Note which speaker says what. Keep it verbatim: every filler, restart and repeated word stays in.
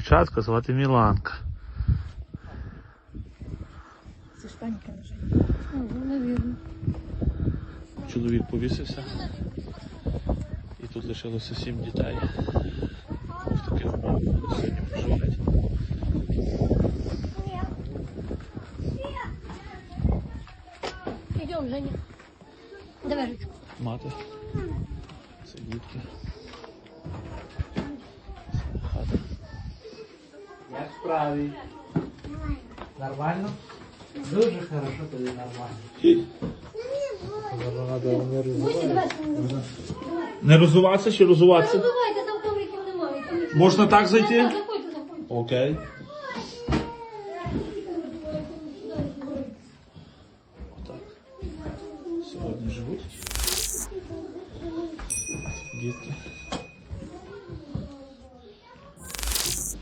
Speaker 1: дівчатка, звати Міланка.
Speaker 2: Це ж Танька лежить. Ага, навірно.
Speaker 1: Чоловік повісився. І тут лишилося сім дітей. В таких умовах сьогодні проживають.
Speaker 2: Идем, Женя. Давай ручку.
Speaker 1: Мати. Це дітки. Хата.
Speaker 3: Як справи? Нормально? Дуже хорошо, коли нормально.
Speaker 1: Не розуватися чи розуватися?
Speaker 2: Давайте, там ковриків немає.
Speaker 1: Можна так зайти?
Speaker 2: Заходьте, заходьте.
Speaker 1: Окей.